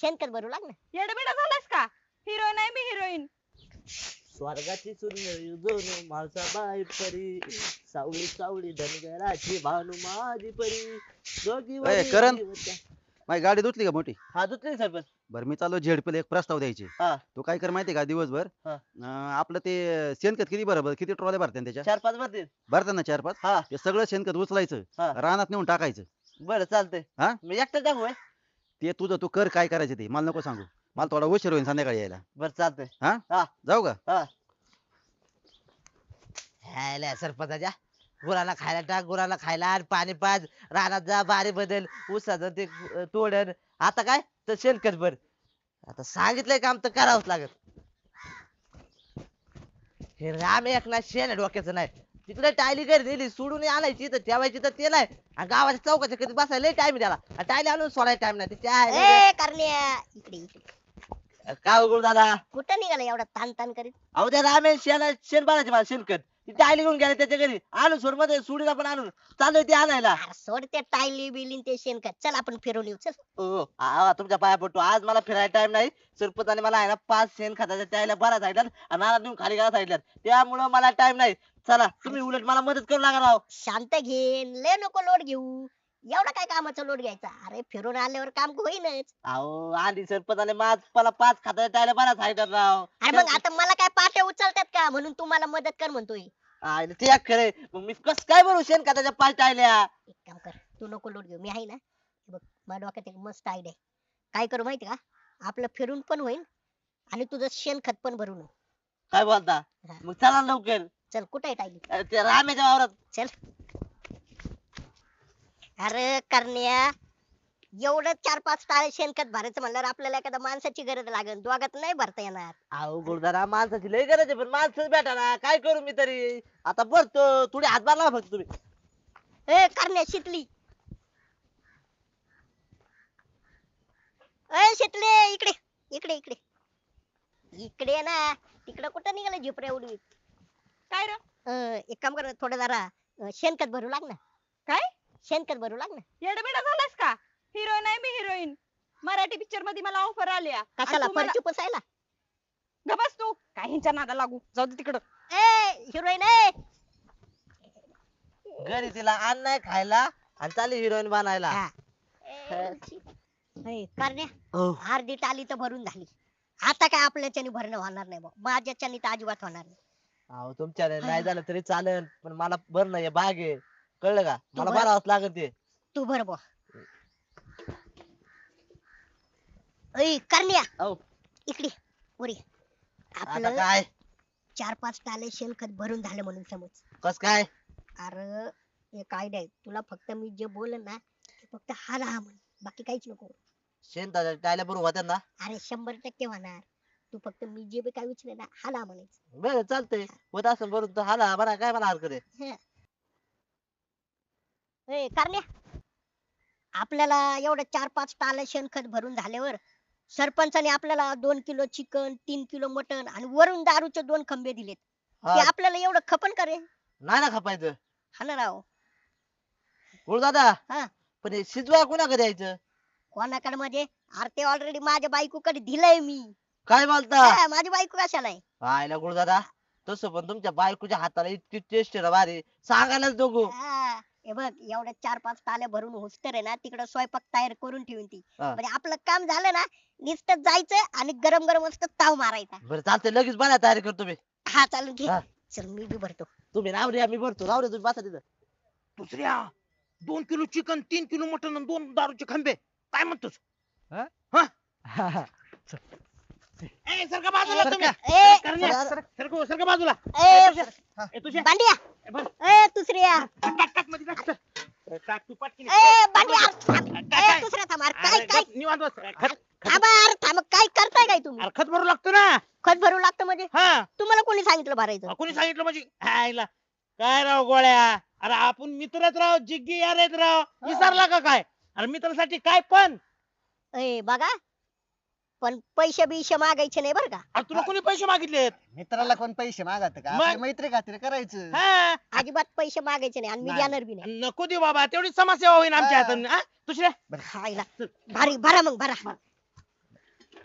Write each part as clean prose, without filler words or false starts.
शेणखत भरू लाग ना. येडबिडा झालास का? हिरोईन आहे मी हिरोईन. स्वर्गाची सुंदर दोन माझा बाई परी सावळी सावळी धनगराची भानू माझी परी दोघी ए, करण. वरी होत्या. माझी गाडी धुतली का मोठी? हा दुसरी सरपंच. बरं मी चाललो झेडपीला एक प्रस्ताव द्यायचे. हा तू काय कर माहितीये का दिवसभर हा. आपलं ते शेणखत किती बरोबर किती ट्रॉल्या भरते त्याच्या 4-5 भरतील. भरतात ना 4-5. हा ते सगळं शेणखत उचलायचं हा. रानात नेऊन टाकायचं. बरं चालतंय. हा मी एकटा टाकू होय? ते तुझं तू कर काय करायचं ते मला नको सांगू. मला थोडा उशीर होईल संध्याकाळी यायला. बरं चालतंय. हा हा जाऊ का? हा ह्याला सरपंचाच्या गुराला खायला टाक, गुराला खायला आणि पाणी पाज, रानात जा, बारी बदल, ऊसाचं ते तोडण. आता काय तर शेणखत भर. आता सांगितलंय काम तर करावंच लागत. हे राम एक ना शेण डोक्याचं नाही. तिकडे टायली घरी दिली सोडून आणायची तर ठेवायची तर ते नाही. आणि गावाच्या चौकाच्या कधी बसायला टाइम त्याला. आणि टायली आणून सोडायला टाइम नाही. ए करण्या इकडे इकडे. काय उघड दादा? कुठं निघाला एवढा ताण ताण करीत? अहो त्या रामे शेण बाळाचे मला शेणखत ती टायली घेऊन गेले त्याच्या घरी. आणून सोड मध्ये सुडीला पण आणून चालू ते आणायला. अरे सोड ते टायली बिलीन ते शेणखत. चल आपण फिरून येऊ चल. हो तुमच्या पाया पडतो. आज मला फिरायला टाइम नाही. सरपंचाने मला आहे ना 5 शेण खताच्या त्याला बरा सांगितल्यात आणि नारळ नेऊन खाली घाला सांगितल्यात. त्यामुळं मला टाइम नाही. चला तुम्ही उलट मला मदत करू लागा राव. शांत घेन लय नको लोड घेऊ. एवढा काय कामाचा लोड घ्यायचा? अरे फिरून आल्यावर काम होईनच. अहो आधी सरपंचाने मला 5 खताच्या त्याला बरा सांगितल्यात राव. अरे मग आता मला काय पाट्या उचलतात का म्हणून तू मला मदत कर म्हणतोय? ते एक खरंय. मग मी कस काय भरू शेण खताच्या 5 टायल्या? एक काम कर, तू नको लोड घेऊ, मी आहे ना. हे बघ माझ्या डोक्यात एक मस्त आयडिया आहे. काय करू माहिती का? आपलं फिरून पण होईल आणि तुझं शेणखत पण भरून होईल. काय बोलता? हा. मग चला लवकर. चल कुठे आहे टायली? ते रामेच्या वावरात. चल. अरे करण्या एवढं 4-5 टाळे शेणखत भरायचं म्हणल्यावर आपल्याला एखाद्या माणसाची गरज लागेल. दोघात नाही भरता येणार. अहो गुरुदारा माणसाची लय गरज आहे पण माणसंच भेटा ना. काय करू मी तरी? आता भरतो थोडी हातभार लावा फक्त तुम्ही. ए करण्या शितली. ए शितले इकडे इकडे इकडे इकडे ये ना. तिकडे कुठं निघालं झिपऱ्या उडवीत? काय रे? एक काम कर, थोडं जरा शेणखत भरू लाग ना. काय? शेणखत भरू लाग ना. येडबिडा झालास का? हिरोईन आहे मी हिरोईन. मराठी पिक्चर मध्ये मला ऑफर आल्या. कशाला फरची पुसायला? गबस तू काय ह्यांच्या नादा लागू. जाऊ दे तिकडं. ए हिरोईन ए. घरी तिला अन्न नाही खायला आणि चालली हिरोईन बनायला. हा. ए, करण्या हो. अर्धी टाली तर भरून झाली. आता काय आपल्याच्याने भरणं होणार नाही भाऊ. माझ्याच्याने तर अजिबात होणार नाही. अहो तुमच्या नाही झालं तरी चालेल पण मला भरणं हे भाग आहे. कळलं का? तू मला भर. भरावंच लागत ते. तू भर बुवा. ऐ करण्या अहो इकडे उरी. आता आपलं काय 4-5 टाले शेणखत भरून झालं म्हणून समज. कस काय? अरे एक आयडिया आहे. तुला फक्त मी जे बोलन ना ते फक्त हा म्हण, बाकी काहीच नको. शेण टायला बरोबर होत्या ना. अरे 100% होणार. तू फक्त मी जे बी काय विचारलं ना हा म्हणायचं. बरं चालतंय. होत असं बरोबर तर हाला बरा काय मला हरकत आहे. ए करण्या आपल्याला एवढं 4-5 टाले शेणखत भरून झाल्यावर सरपंचाने आपल्याला 2 किलो चिकन, 3 किलो मटन आणि वरून दारूचे 2 खंबे दिलेत. हा, ते आपल्याला एवढं खपन करे? नाही ना खपायचं. हा ना राव. दादा हा. पण हे शिजवा कुणाकडे द्यायचं? कोणाकडे म्हणजे? अरे ते ऑलरेडी माझ्या बायकोकडे दिलंय मी. काय बोलता? हा, माझी बायको कशाला आहे? आयला दादा तसं पण तुमच्या बायकोच्या हाताला इतकी टेस्ट आहे ना भारी. सांगायलाच नको. हा, हे बघ एवढ्या 4-5 टाल्या भरून होस्तर आहे ना तिकडे स्वयंपाक तयार करून ठेवून ती. हा. म्हणजे आपलं काम झालं ना नुसतं जायचं आणि गरम गरम मस्त ताव मारायचा. बरं चालतंय लगेच बना तयारी करतो मी. हा चालू घे. हा. चल मी बी भरतो. तुम्ही राव रे मी भरतो. राव रे तुम्ही बसा तिथं. दुसऱ्या 2 किलो चिकन, 3 किलो मटन आणि 2 दारूचे खंबे काय म्हणतोस? ए सरका बाजूला तुम्ही. ए करण्या, सरका बाजूला. ए ए तुझ्या बांडिया. बरं. ए दुसऱ्या. टाक मध्ये टाक तर. टाक तू पटकीन. ए बांडिया. काय? ए दुसऱ्या थांब. अरे काय अरे, काय निवांत बस. खत थांबा. अरे थांब. काय करताय काय तुम्ही? अरे खत भरू लागतो ना. खत भरू लागतं म्हणजे? हा तुम्हाला कोणी सांगितलं भरायचं? कोणी सांगितलं म्हणजे हायला काय राव गोळ्या. अरे आपण मित्रच राव, जिग्गी यार आहेत राव. विसरला का काय? अरे मित्रासाठी काय पण. ए बघा पण पैसे बिशे मागायचे नाही बरं का. अरे तुला कोणी पैसे मागितलेत? मित्राला कोण पैसे मागत का? मग? आपली मैत्री खातीर करायचं. हा अजिबात पैसे मागायचे नाही आणि मी नाही. देणार बी नाही. नको देऊ बाबा तेवढी समाजसेवा होईल आमच्या हा. हाताने. दुसऱ्या खायला भारी भरा मग भरा.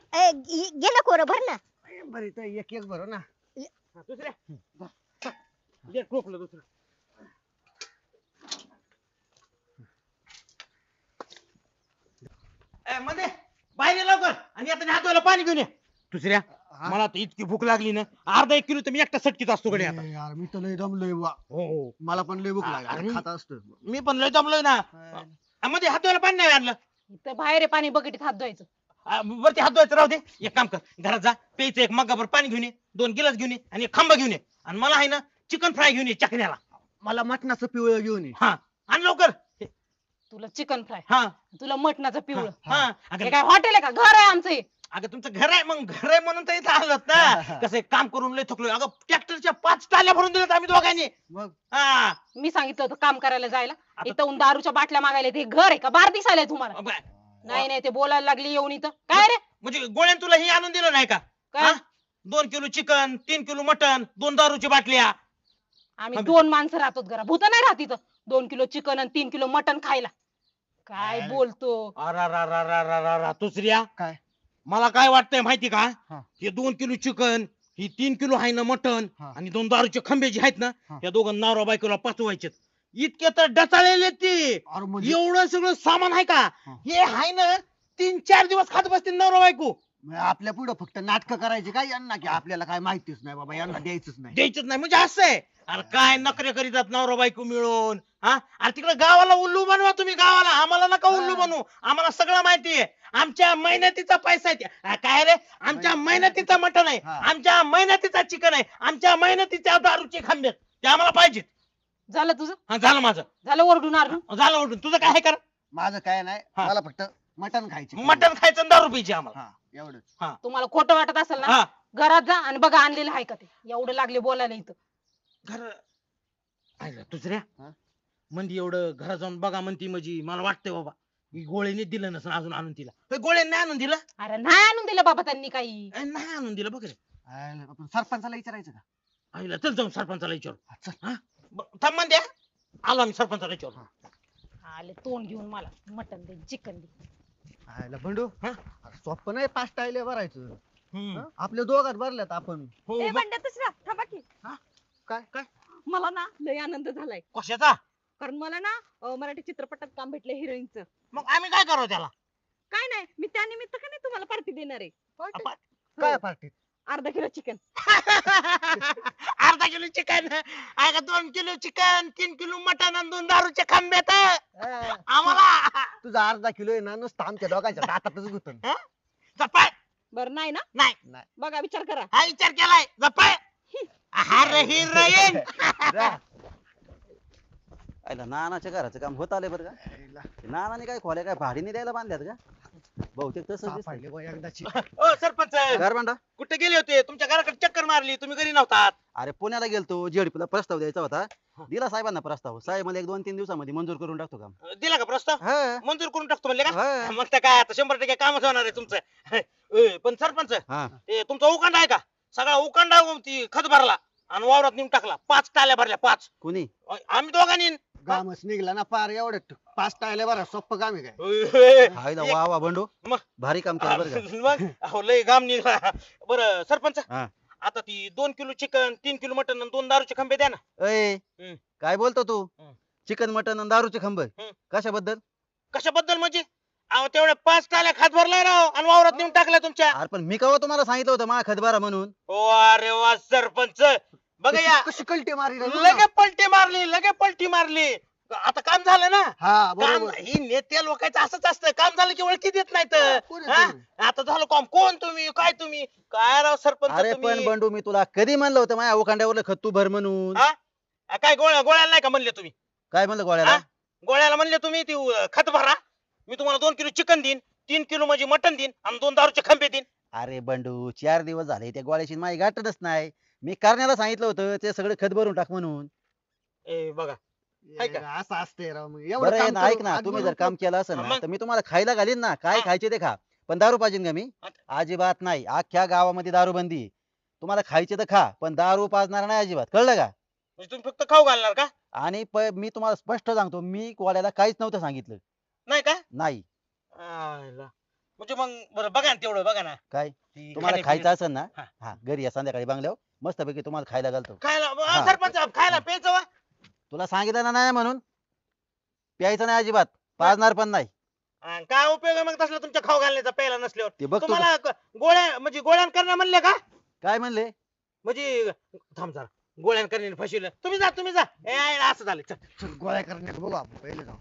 घे ना कोरं भर ना. बरं इथं एक एक भरो ना. हा, दुसऱ्या दे टोपलं दुसरं. मध्ये बाहेर ये लवकर आणि आता हात धुवायला पाणी घेऊन ये. दुसऱ्या मला आता इतकी भूक लागली ना, अर्धा 1 किलो तर मी एकटा सटकीत असतो कडे आता. यार मी तर लय दमलोय बा. हो मला पण लय भूक अरे लागली मी- खात असतो. मी पण लय दमलोय ना. मध्ये हात धुवायला पाणी नाही आणलं. इथं बाहेर आहे पाणी बकेटीत हात धुवायचं. वरती हात धुवायचं राहू दे. एक काम कर, घरात जा, प्यायचं एक मग्गाभर पाणी घेऊन ये, 2 गिलास घेऊन ये आणि एक खांबा घेऊन ये आणि मला आहे ना चिकन फ्राय घेऊन ये चकण्याला. मला मटणाचं पिवळं घेऊन ये. हा आण लवकर. तुला चिकन फ्राय, हा तुला मटणाचं पिवळं. हा हे अगं काय हॉटेल आहे का? घर आहे आमचं हे. अगं तुमचं घर आहे, मग घर आहे म्हणून तर इथं आलोत ना. कसं एक काम करून लय थकलोय. अगं ट्रॅक्टरच्या 5 टाल्या भरून दिल्यात आम्ही दोघांनी. मग हा मी सांगितलं होतं काम करायला जायला. इथं दारूच्या बाटल्या मागायला. ते घर आहे का? बार दिसायला तुम्हाला? नाही नाही, ते बोलायला लागली येऊन इथं. काय रे म्हणजे गोळ्यान तुला हे आणून दिलं नाही का? काय? 2 किलो चिकन, 3 किलो मटन, 2 दारूची बाटल्या. आम्ही 2 माणसं राहतो घरा. भूत नाही राहत इथं 2 किलो चिकन आणि 3 किलो मटन खायला. काय बोलतो? अरा दुसऱ्या काय? मला काय वाटतंय माहिती का? हा. हे 2 किलो चिकन, ही 3 किलो आहे ना मटन हा. आणि 2 दारूचे खंबे जे आहेत ना, हा. या दोघं नवरा बायकोला पचवायचे. इतके तर डचाळलेले ते. अरे म्हणजे एवढं सगळं सामान आहे का? हा. हे आहे ना 3-4 दिवस खात बसतील नवरा बायको. आपल्या पुढे फक्त नाटक करायचे काय यांना की आपल्याला काय माहितीच नाही बाबा यांना द्यायचंच नाही. द्यायचंच नाही म्हणजे असं आहे. अरे काय नखरे करीतात नवरा बायको मिळून. हा अरे तिकडे गावाला उल्लू बनवा तुम्ही. गावाला आम्हाला नका उल्लू बनवू. आम्हाला सगळं माहिती आहे. आमच्या मेहनतीचा पैसा आहे ते. काय रे? आमच्या मेहनतीचा मटण आहे, हा. आमच्या मेहनतीचा चिकन आहे, आमच्या मेहनतीच्या दारूचे खांबे ते आम्हाला पाहिजेत. झालं तुझं? हा झालं माझं. झालं ओरडून आरडून? झालं उठून. तुझं काय आहे कर? माझं काय नाही हा. मला फक्त मटण खायचे. मटण खायचं आणि दारू प्यायची आम्हाला. हा एवढंच. तुम्हाला खोटं वाटत असेल ना, हा घरात जा आणि बघा आणलेलं आहे का ते. एवढं लागले बोलायला इथं. घर ऐकलं दुसऱ्या हा? म्हणजे एवढं घरात जाऊन बघा म्हणती म्हणजे मला वाटतंय बाबा मी गोळ्याने दिलं नसेल अजून आणून तिला. गोळ्याने नाही आणून दिलं. अरे नाही आणून दिलं बाबा त्यांनी काही. नाही आणून दिलं बघ रे. आपण सरपंचाला विचारायचं का? आईला चल जाऊन सरपंचाला विचारू. हा, चल. थांब म्हणते आलो आम्ही सरपंचाला विचारू. आले तोंड घेऊन मला मटन दे चिकन दे. आयला बंडू हा? अरे सोपं नाही 5 टायले भरायचं. हम्म. हा? आपल्या दोघात भरल्यात आपण. हो ए, बघ. बंड्या दुसरा थांबा की. काय काय मला ना लय आनंद झालाय. कशाचा? कारण मला ना मराठी चित्रपटात काम भेटलं हिरोईनचं. मग आम्ही काय करावं त्याला? काय नाही, मी त्यानिमित्त का नाही तुम्हाला पार्टी देणार आहे. आपण- काय पार्टीत? अर्धा किलो चिकन. अर्धा किलो चिकन आहे का? 2 किलो चिकन, 3 किलो मटन आणि 2 दारूचे खांबे तर आम्हाला तुझा अर्धा किलो आहे ना नुसतं आमच्या दोघांच्या दातातच गुतन. जपाय. बर नाही ना? नाही बघा विचार करा. हा विचार केलाय. जपाय. अरे हिरोईन. आयला नानाच्या घराचं काम होत आले बरं का. ते नानाने काय खोल्या काय भाडीने द्यायला बांधल्यात का? बहुतेक तसं सापडले बुवा एकदाची. ओ सरपंच घर बांधा. कुठे गेले होते? तुमच्या घराकडे चक्कर मारली, तुम्ही घरी नव्हतात. अरे पुण्याला गेलतो जेडपीला प्रस्ताव द्यायचा होता. दिला साहेबांना प्रस्ताव. साहेब मला 1-2-3 दिवसामध्ये मंजूर करून टाकतो काम. दिला का प्रस्ताव? हा. मंजूर करून टाकतो म्हणले का? हा. मग तर काय आता 100% कामच होणार आहे तुमचं. पण सरपंच हा. ते तुमचा उकांडा आहे का? सगळा उकांडा ती खत भरला आणि वावरात नेऊन टाकला. 5 टाल्या भरल्या 5. कुणी? आम्ही दोघांनी. कामच निघला ना पार एवढं 5 टायले भरा सोपं काम आहे काय? हायला वा वा बंडू. मग? भारी काम केलं बरं का. मग अहो लय घाम निघाला. बरं सरपंच हा. आता ती 2 किलो चिकन, 3 किलो मटन आणि 2 दारूचे खंबे द्या ना. अय हम्म. काय बोलतो तू? हम्म. चिकन मटन आणि दारूचे खंब हम्म. कशाबद्दल? कशाबद्दल म्हणजे? अहो तेवढ्या 5 टाल्या खात भरलाय राव आणि वावरात नेऊन टाकला तुमच्या. अरे पण मी कवा तुम्हाला सांगितलं होतं मा खतबारा म्हणून. ओ अरे वा सरपंच बघा या कशी कल्टी मारी रे? लगे पलटी मारली. आता काम झालं ना. हा काम बरोबर. ही नेत्या लोकांचं असंच असतं. काम झालं की ओळखी देत नाहीत. कोण हा? आहे तुम्ही? आता झालं काम. कोण तुम्ही? काय तुम्ही? काय राव सरपंच अरे पण तुम्ही? बंडू मी तुला कधी म्हणलं होतं माझ्या उखांड्यावरलं खत तू भर म्हणून. हा? काय गोळ्याला नाही का म्हणले तुम्ही? काय म्हणलं गोळ्याला? हा? गोळ्याला म्हणले तुम्ही ती खत भरा. मी तुम्हाला 2 किलो चिकन देईन, 3 किलो म्हणजे मटन देईन आणि 2 दारूचे खंबे देईन. अरे बंडू 4 दिवस झाले त्या गोळ्याची माझी गाठच नाही. मी करण्याला सांगितलं होतं ते सगळं खत भरून टाक म्हणून. ए बघा आहे का? असं असते राव मग एवढं बरं काम आहे ना, ऐक करून ना आज तुम्ही बोलू जर काम केलं असेल ना मग? तर मी तुम्हाला खायला घालीन ना. काय हा. खायचे ते खा. पण दारू पाहिजे का मी? अजिबात नाही. अख्ख्या गावामध्ये दारूबंदी आहे. तुम्हाला खायचे तर खा पण दारू पाजणार नाही अजिबात. कळलं का? म्हणजे तुम्ही फक्त खाऊ घालणार का? आणि मी तुम्हाला स्पष्ट सांगतो मी गोळ्याला काहीच नव्हतं सांगितलं. नाही का? नाही. आयला. म्हणजे मग बरं बघा ना तेवढं बघा ना काय ती तुम्हाला खाण्यापिण्याचं- खायचं असेल ना हा. हा घरी या संध्याकाळी बंगल्यावर मस्तपैकी तुम्हाला खायला घालतो खायला हा. सरपंच खायला प्यायचं वा तुला सांगितलं ना नाही म्हणून प्यायचं नाही अजिबात पाजणार पण नाही काय उपयोग आहे मग तसला तुमच्या खाऊ घालण्याचा प्यायला नसल्यावर ते बघ तू तुम्हाला गोळ्या म्हणजे गोळ्या करणं म्हणले का काय म्हणले म्हणजे थांब जरा गोळ्या करणे फसविलं तुम्ही जा ए असं झालं चल चल गोळ्या करण्यात बघू आपण पहिले जाऊ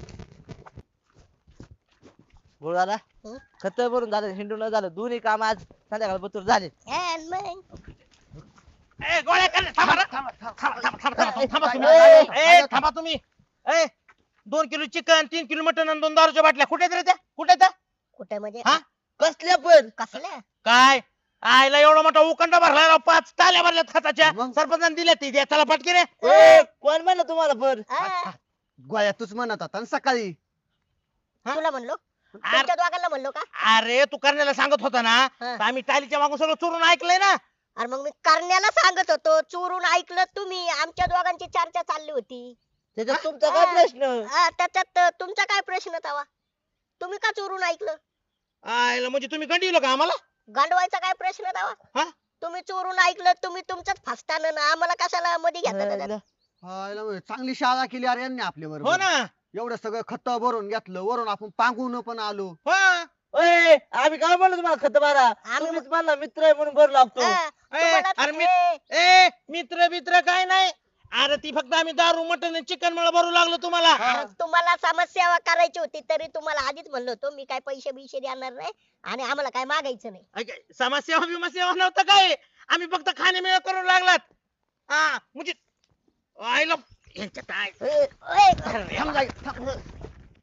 गुरुदादा हं? खत भरून झालं हिंडून झालं दोन्ही काम आज संध्याकाळ बतूर झाले And मग ए गोळ्या करणे थांबा रे. थांबा तुम्ही ए, ए थांबा तुम्ही ए 2 किलो चिकन 3 किलो मटन आणि 2 दारूच्या बाटल्या कुठे आहेत रे त्या कुठे आहेत त्या? कुठे म्हणजे हा? कसल्या पण कसल्या काय आयला एवढा मोठा उकंडा भरला राव 5 टाल्या भरल्यात खताच्या मग? सरपंचाने दिल्या ती द्या चला पटकी रे ए, कोण म्हणलं तुम्हाला पण हा, गोळ्या तूच म्हणत होता ना सकाळी तुला म्हणलो तुमच्या दोघांना म्हणलो का अरे तू करण्याला सांगत होता ना हा. तर आम्ही टालीच्या मागून सगळं चोरून ऐकलंय ना अरे मग मी करण्याला सांगत होतो चोरून ऐकलं तुम्ही आमच्या दोघांची चर्चा चालली होती त्याच्यात तुमचा काय प्रश्न हा, त्याच्यात तुमचा काय प्रश्न तवा तुम्ही का चोरून ऐकलं आयला म्हणजे तुम्ही गंडीवलं का आम्हाला गांडवायचा काय प्रश्न हा? तवा तुम्ही चोरून ऐकलं तुम्ही तुमच्याच फसताना ना आम्हाला कशाला मध्ये घेता त्याच्यात? हायला होय, चांगली शाळा केली अरे यांनी आपल्या हो बरोबर ना एवढं सगळं खत भरून घेतलं वरून आपण पांगून पण आलो हो ओय, आम्ही काय म्हणलो तुम्हाला खत मारा आम्ही- तुम्हीच म्हणला मित्र आहे म्हणून भरू लागतो हा, तुम्हाला- अरे मी- ए, ए मित्र बित्र काय नाही अरे ती फक्त आम्ही दारू मटन चिकन मला भरू लागलो तुम्हाला अरे तुम्हाला समाजसेवा करायची होती तरी तुम्हाला आधीच म्हणलो होतो मी काय पैसे बिशे देणार नाही आणि आम्हाला काय मागायचं नाही ऐक, समाजसेवा बिमासेवा नव्हतं काय आम्ही फक्त खाणे करू लागलात हा म्हणजे आईला ह्यांच्यात आहे. ओय, थांब जागी, थांब.